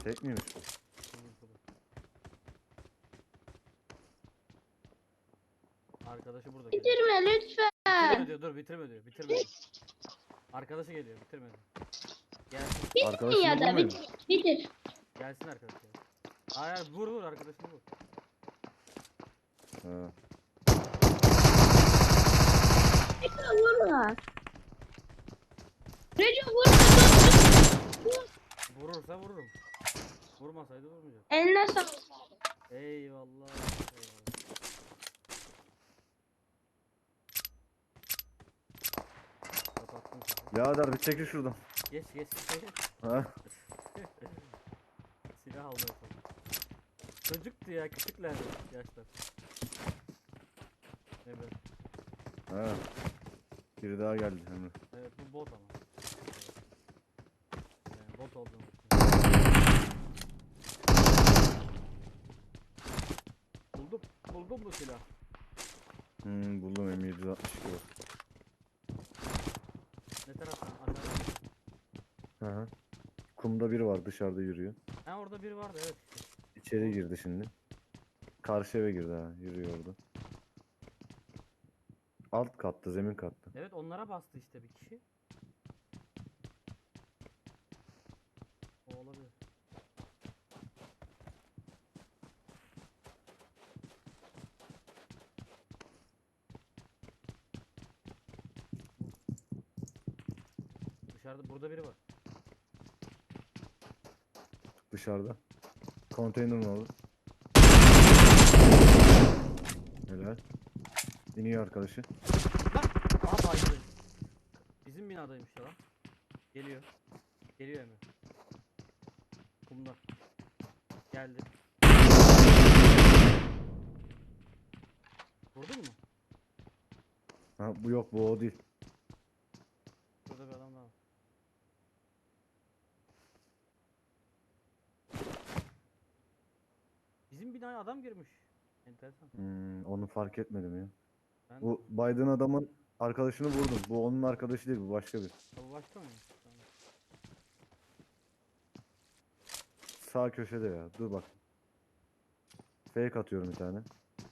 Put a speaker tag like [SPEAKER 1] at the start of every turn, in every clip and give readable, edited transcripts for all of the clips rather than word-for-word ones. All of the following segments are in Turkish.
[SPEAKER 1] Tek miymiş bu?
[SPEAKER 2] Arkadaşı burada geliyor.
[SPEAKER 3] Bitirme
[SPEAKER 2] Bitirme
[SPEAKER 3] lütfen.
[SPEAKER 2] diyor, dur bitirme diyor, bitirme diyor. Arkadaşı geliyor, bitirme diyor. Gelsin,
[SPEAKER 3] Bitir
[SPEAKER 1] Arkadaşını
[SPEAKER 3] ya da
[SPEAKER 1] vurmayın.
[SPEAKER 3] bitir. Bitir.
[SPEAKER 2] gelsin arkadaşı. Hayır, vur vur arkadaşını vur.
[SPEAKER 1] Ha.
[SPEAKER 3] Recep vurma. Recep vurma.
[SPEAKER 2] Vurursa vururum. Vurmasaydı vurmayacak.
[SPEAKER 3] Eline sağlık.
[SPEAKER 2] Eyvallah. Eyvallah. Kapattım sesi.
[SPEAKER 1] Birader bir çekil şuradan.
[SPEAKER 2] Geç geç.
[SPEAKER 1] Ha?
[SPEAKER 2] Silah almaya çalışıyorum. Çocuktu ya, küçüklerdi yaşlar. Emre.
[SPEAKER 1] Ha. Biri daha geldi Emre.
[SPEAKER 2] Evet, bu bot ama. Yani bot olduğunu düşünüyorum. Buldum bu silah.
[SPEAKER 1] Buldum M762 var.
[SPEAKER 2] Ne taraftan? Aşağıdan mı?
[SPEAKER 1] Hı hı. Kumda biri var dışarıda yürüyor.
[SPEAKER 2] Ha, orada biri vardı, evet işte.
[SPEAKER 1] İçeri girdi şimdi. Karşı eve girdi ha. Yürüyor orada. Alt katta, zemin katta.
[SPEAKER 2] Evet, onlara bastı işte bir kişi. O olabilir. Dışarıda, burada biri var.
[SPEAKER 1] Dışarıda. Konteynerin orada. Helal. İniyor arkadaşı.
[SPEAKER 2] Aa, bayıldı. Bizim binadaymış ya lan. Geliyor. Geliyor hemen. Kumda. Geldi. Vurdun mu?
[SPEAKER 1] Ha, bu yok bu o değil.
[SPEAKER 2] Burada bir adam daha var. Bizim binaya adam girmiş. Enteresan.
[SPEAKER 1] Onu fark etmedim ya.
[SPEAKER 2] Ben
[SPEAKER 1] Bu Biden adamın arkadaşını vurdum. Bu onun arkadaşı değil, bu başka bir.
[SPEAKER 2] bu başka mı? Tamam.
[SPEAKER 1] Sağ köşede ya. Dur bak. Fake atıyorum bir tane.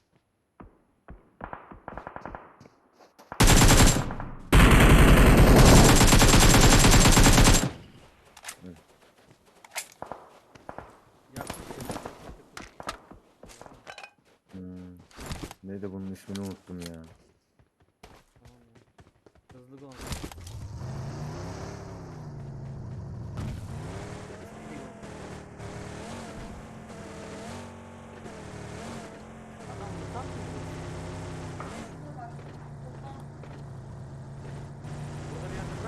[SPEAKER 2] Yaklaşık.
[SPEAKER 1] Neydi bunun ismini unuttum ya.
[SPEAKER 2] Tamam ya. Hızlı gol. Adam mutant mı? Burada bir yerde bırak.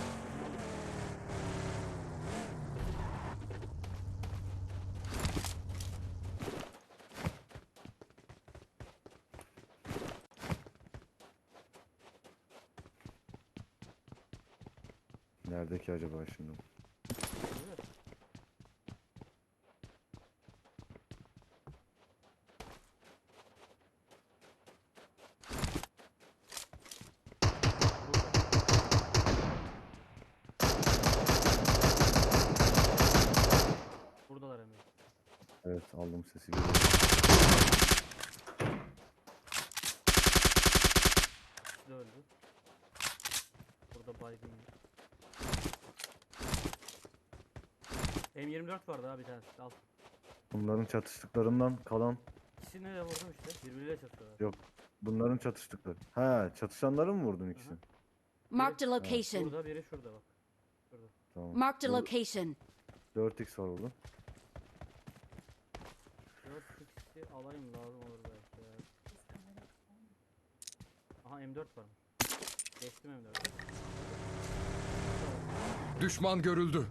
[SPEAKER 1] Nerede ki acaba şimdi?
[SPEAKER 2] Evet. Buradalar Emre.
[SPEAKER 1] Evet aldım sesi geliyor.
[SPEAKER 2] İkisi de öldü. Burada baygın yok. M24 vardı abi, bir tanesi. Al.
[SPEAKER 1] Bunların çatıştıklarından kalan
[SPEAKER 2] İkisini de vurdum işte. Birbiriyle çatıyorlar.
[SPEAKER 1] yok. Bunların çatıştıkları. Ha, çatışanları mı vurdun ikisini?
[SPEAKER 4] Marked a location.
[SPEAKER 2] Burada biri şurada bak. Şurada.
[SPEAKER 1] Tamam.
[SPEAKER 4] Marked a location.
[SPEAKER 1] 4x var orada.
[SPEAKER 2] 4x'i alayım, lazım olur belki ya. Aha, M4 varmış. Geçtim M4'ü.
[SPEAKER 5] Düşman görüldü.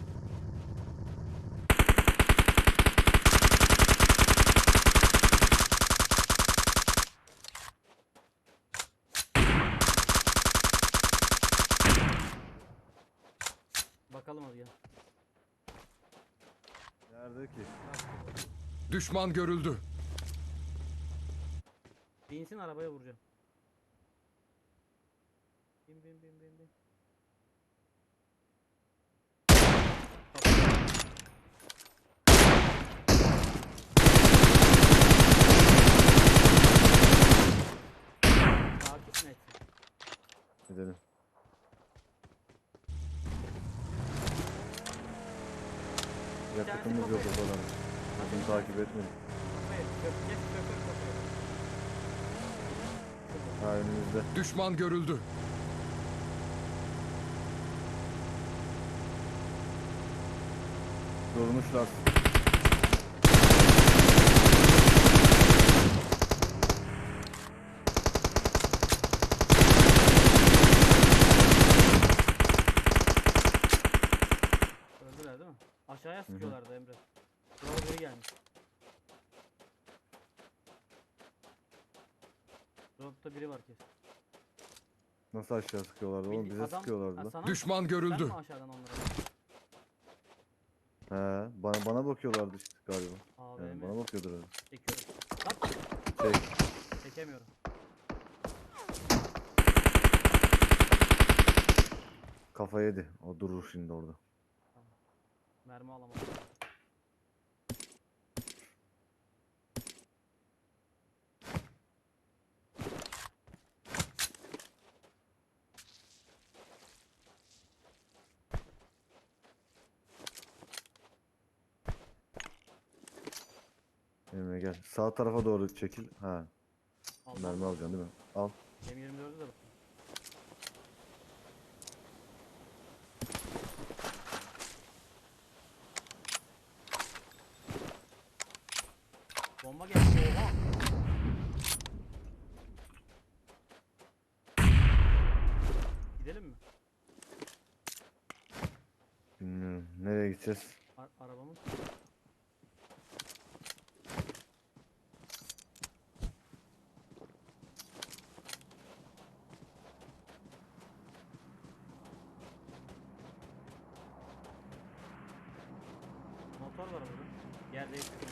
[SPEAKER 2] Bakalım hadi gel.
[SPEAKER 1] Nerede ki?
[SPEAKER 5] Düşman görüldü.
[SPEAKER 2] Binsin, arabaya vuracağım. Bin.
[SPEAKER 1] Gidelim. Yakıtımız yok o kadar. Bunu takip etmedik.
[SPEAKER 2] Kafayı. Köpek kafayı.
[SPEAKER 1] Ha önümüzde.
[SPEAKER 5] Düşman görüldü.
[SPEAKER 1] Durmuşlar.
[SPEAKER 2] Öldüler değil mi? Aşağıya sıkıyorlardı Emre. Buraya biri gelmiş. Drop'ta biri var kesin.
[SPEAKER 1] Nasıl aşağı sıkıyorlardı oğlum? Bize sıkıyorlardı lan.
[SPEAKER 2] Sana,
[SPEAKER 5] Düşman
[SPEAKER 2] sen
[SPEAKER 5] görüldü.
[SPEAKER 2] mi aşağıdan onlara?
[SPEAKER 1] He, bana bakıyorlardı işte galiba. Yani
[SPEAKER 2] AVM
[SPEAKER 1] bana bakıyordur öyle.
[SPEAKER 2] çekiyorum. Lan
[SPEAKER 1] Çek.
[SPEAKER 2] çekemiyorum.
[SPEAKER 1] Kafa yedi. O durur şimdi orada.
[SPEAKER 2] Mermi alamadım.
[SPEAKER 1] Emre gel. Sağ tarafa doğru çekil. Ha,
[SPEAKER 2] Aldım.
[SPEAKER 1] mermi alacaksın değil mi? Al.
[SPEAKER 2] M24'ü de bakın. Bomba geldi. Oha. Gidelim mi?
[SPEAKER 1] Bilmiyorum. Nereye gideceğiz?
[SPEAKER 2] Arabamız. Motor var burada. Yer değiştirdim.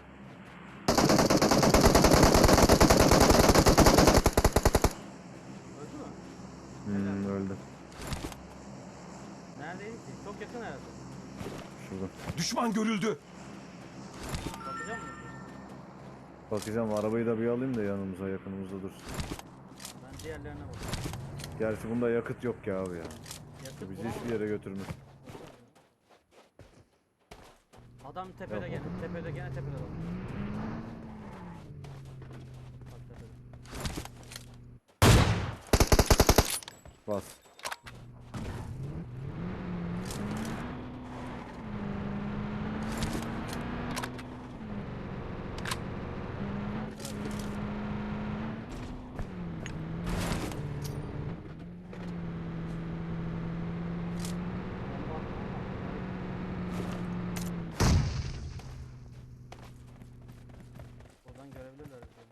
[SPEAKER 2] Öldü mü?
[SPEAKER 1] Öldü.
[SPEAKER 2] Neredeydi ki? Çok yakın herhalde.
[SPEAKER 1] Şurada.
[SPEAKER 5] Düşman görüldü.
[SPEAKER 2] Bakacak mısın?
[SPEAKER 1] Bakacağım arabayı da bir alayım da yanımıza yakınımızda dursun.
[SPEAKER 2] Ben diğerlerine bakıyorum.
[SPEAKER 1] Gerçi bunda yakıt yok ya abi ya.
[SPEAKER 2] Yakıt
[SPEAKER 1] Bizi
[SPEAKER 2] bulamadım.
[SPEAKER 1] hiçbir yere götürmez.
[SPEAKER 2] Adam tepede
[SPEAKER 1] Yok.
[SPEAKER 2] gene. Tepede gene tepede bak. Bak tepede.
[SPEAKER 1] Bas.
[SPEAKER 2] Bomba. Oradan görebilirler bizi.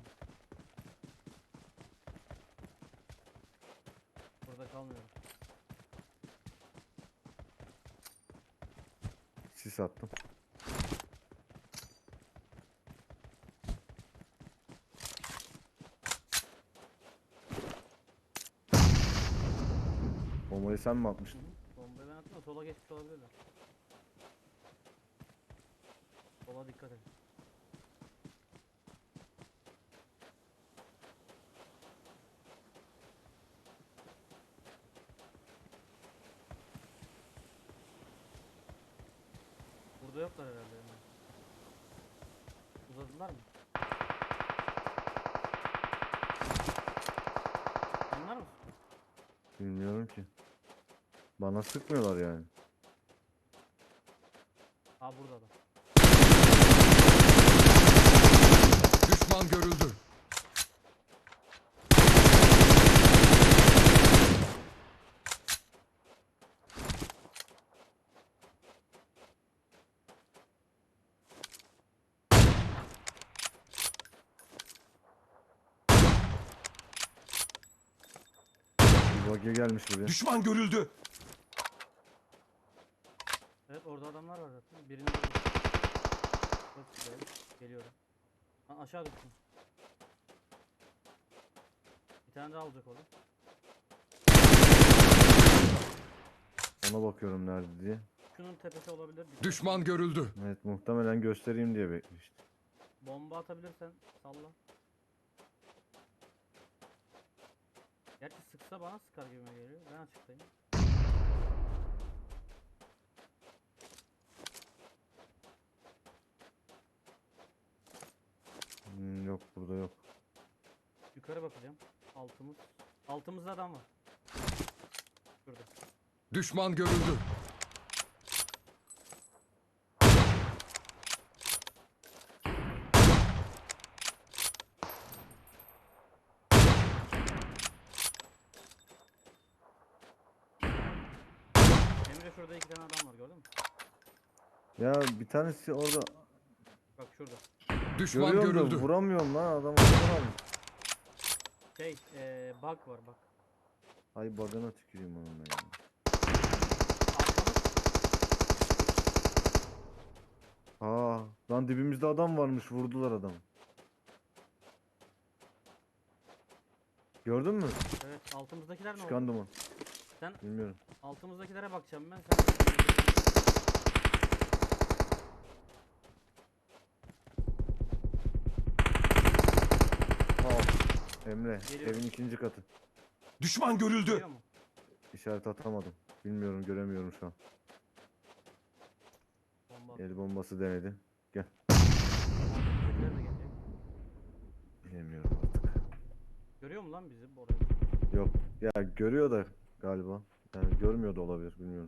[SPEAKER 2] Burada kalmıyorum.
[SPEAKER 1] Sis attım. Bombayı sen mi
[SPEAKER 2] Hı
[SPEAKER 1] atmıştın?
[SPEAKER 2] hı. Bombayı ben attım da sola geçmiş olabilirler. Sola dikkat et. Burada yoklar herhalde yani. Uzadılar mı? Onlar mı?
[SPEAKER 1] Bilmiyorum ki. Bana sıkmıyorlar yani.
[SPEAKER 2] Aa burada da.
[SPEAKER 5] Düşman görüldü.
[SPEAKER 1] Bir buggy gelmiş buraya.
[SPEAKER 5] Düşman görüldü.
[SPEAKER 2] Evet orada adamlar var zaten. Birini vurdum. Çok güzel. Geliyorum. Lan aşağı düştüm. Bir tane daha olacak orada.
[SPEAKER 1] Ona bakıyorum nerede diye.
[SPEAKER 2] Şunun tepesi olabilir. Bir
[SPEAKER 5] Düşman görüldü.
[SPEAKER 1] Evet muhtemelen göstereyim diye beklemiştim.
[SPEAKER 2] bomba atabilirsen salla. Gerçi sıksa bana sıkar gibime geliyor. Ben açıktayım.
[SPEAKER 1] Yok burada yok.
[SPEAKER 2] Yukarı bakacağım. Altımız. Altımızda adam var. Şurada.
[SPEAKER 5] Düşman görüldü.
[SPEAKER 2] Emre şurada 2 tane adam var, gördün mü?
[SPEAKER 1] Ya bir tanesi orada
[SPEAKER 2] Bak şurada.
[SPEAKER 5] Düşman
[SPEAKER 1] görüyorum da
[SPEAKER 5] görüldü.
[SPEAKER 1] vuramıyorum lan adamı vuramıyorum.
[SPEAKER 2] Şey, bug var bak.
[SPEAKER 1] Ay badana tüküreyim onunla ya.
[SPEAKER 2] Arkamız.
[SPEAKER 1] Lan dibimizde adam varmış, vurdular adamı. Gördün mü?
[SPEAKER 2] Evet, altımızdakiler ne oldu?
[SPEAKER 1] Çıkan duman.
[SPEAKER 2] Sen
[SPEAKER 1] Bilmiyorum.
[SPEAKER 2] altımızdakilere bakacağım ben. Sen
[SPEAKER 1] Emre,
[SPEAKER 2] Geliyor.
[SPEAKER 1] evin ikinci katı.
[SPEAKER 5] Düşman görüldü.
[SPEAKER 2] geliyor mu?
[SPEAKER 1] İşaret atamadım. Bilmiyorum, göremiyorum şu an.
[SPEAKER 2] Bomba.
[SPEAKER 1] El bombası denedi.
[SPEAKER 2] Altımızdakiler de gelecek.
[SPEAKER 1] Bilemiyorum artık.
[SPEAKER 2] Görüyor mu lan bizi orayı?
[SPEAKER 1] Yok. Ya görüyor da galiba. Yani görmüyor da olabilir, bilmiyorum.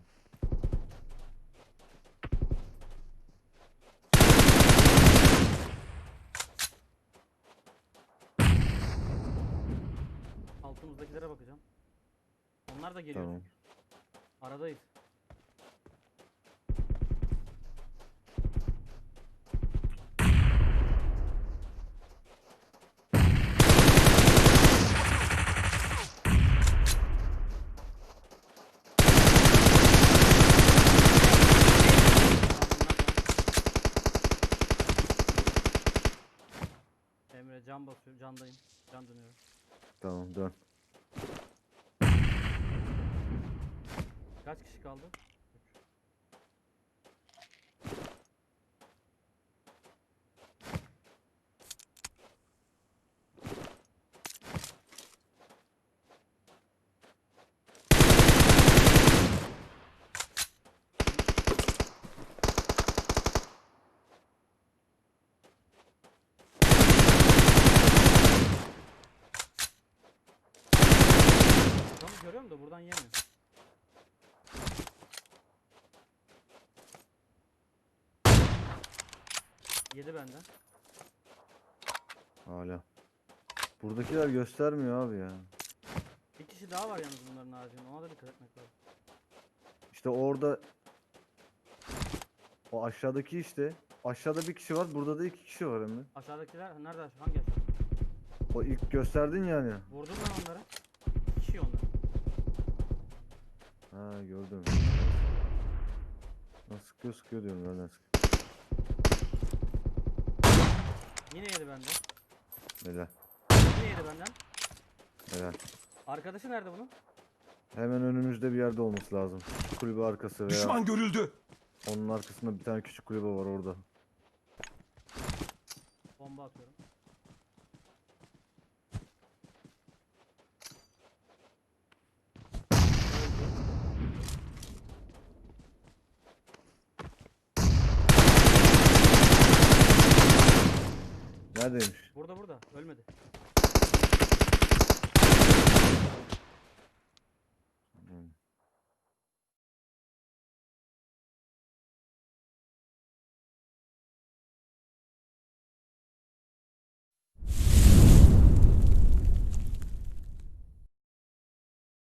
[SPEAKER 2] Altımızdakilere bakacağım. Onlar da geliyor.
[SPEAKER 1] Tamam.
[SPEAKER 2] Aradayız. Emre can basıyor, candayım. Can dönüyorum.
[SPEAKER 1] Tamam, dön.
[SPEAKER 2] Kaç kişi kaldı? 3. Adamı görüyorum da buradan yemiyor. Yedi benden.
[SPEAKER 1] Hala. Buradakiler göstermiyor abi ya.
[SPEAKER 2] Bir kişi daha var yalnız bunların haricinde. Ona da dikkat etmek lazım.
[SPEAKER 1] İşte orada o aşağıdaki işte. Aşağıda bir kişi var, burada da iki kişi var Emre.
[SPEAKER 2] Aşağıdakiler nerede? Hangi aşağı?
[SPEAKER 1] O ilk gösterdin yani.
[SPEAKER 2] Vurdum ben onları. 2 kişi onlar.
[SPEAKER 1] Ha gördüm. Nasıl sıkıyor sıkıyor diyorum, nereden sıkıyor.
[SPEAKER 2] Yine yedi benden.
[SPEAKER 1] Helal.
[SPEAKER 2] Yine yedi benden.
[SPEAKER 1] Helal.
[SPEAKER 2] Arkadaşı nerede bunun?
[SPEAKER 1] Hemen önümüzde bir yerde olması lazım. Şu kulübe arkası veya
[SPEAKER 5] Düşman görüldü.
[SPEAKER 1] onun arkasında bir tane küçük kulübe var orada.
[SPEAKER 2] Bomba atıyorum.
[SPEAKER 1] Neredeymiş?
[SPEAKER 2] Burada burada. Ölmedi.